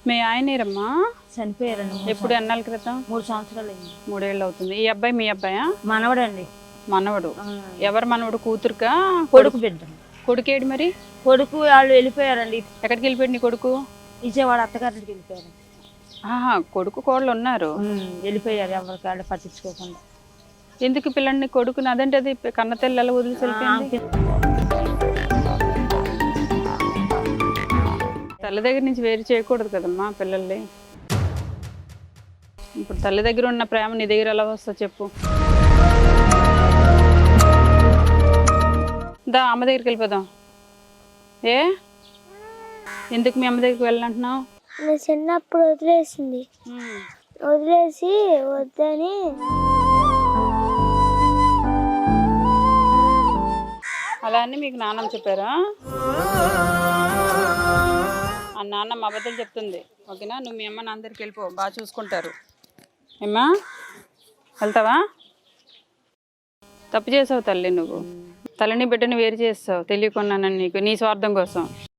మీ ఆయనేరమ్మా చనిపోయారండి. ఎప్పుడు ఎన్నాళ్ళ క్రితం? 3 సంవత్సరాలు అయింది. 3 ఏళ్ళు అవుతుంది. ఈ అబ్బాయి మీ అబ్బాయా? మనవడండి. మనవడు. ఎవరు మనవడు? కూతురుకా? కొడుకు బిడ్డ. కొడుకేడు మరి? కొడుకు వాళ్ళు వెళ్ళిపోయారండి. ఎక్కడికి వెళ్ళిపోయాడు నీ కొడుకు? విజయవాడ అత్తగారింటికి వెళ్ళిపోయారు. కొడుకు కోళ్ళు ఉన్నారు. వెళ్ళిపోయారు, ఎవరికి వాళ్ళు పట్టించుకోకుండా. ఎందుకు పిల్లని కొడుకుని అదంటే అది కన్నతల్లి ఎలా వదిలేసి వెళ్ళిపోయింది? తల్లి దగ్గర నుంచి వేరు చేయకూడదు కదమ్మా పిల్లల్ని. ఇప్పుడు తల్లి దగ్గర ఉన్న ప్రేమ నీ దగ్గర ఎలా వస్తా చెప్పు. దా అమ్మ దగ్గరికి వెళ్ళిపోదాం. ఎందుకు మీ అమ్మ దగ్గరికి వెళ్ళంటున్నావు? చిన్నప్పుడు వదిలేసింది, వదిలేసి వద్దని. అలా అని మీకు నాన్నమ్మ చెప్పారా? ఆ నాన్నమ్మ అబద్ధాలు చెప్తుంది. ఓకేనా? నువ్వు మీ అమ్మ నాన్న దగ్గరికి వెళ్ళిపో, బాగా చూసుకుంటారు. ఏమ్మా వెళ్తావా? తప్పు చేసావు తల్లి, నువ్వు తల్లిని బిడ్డని వేరు చేస్తావు తెలియకున్నానని నీకు, నీ స్వార్థం కోసం.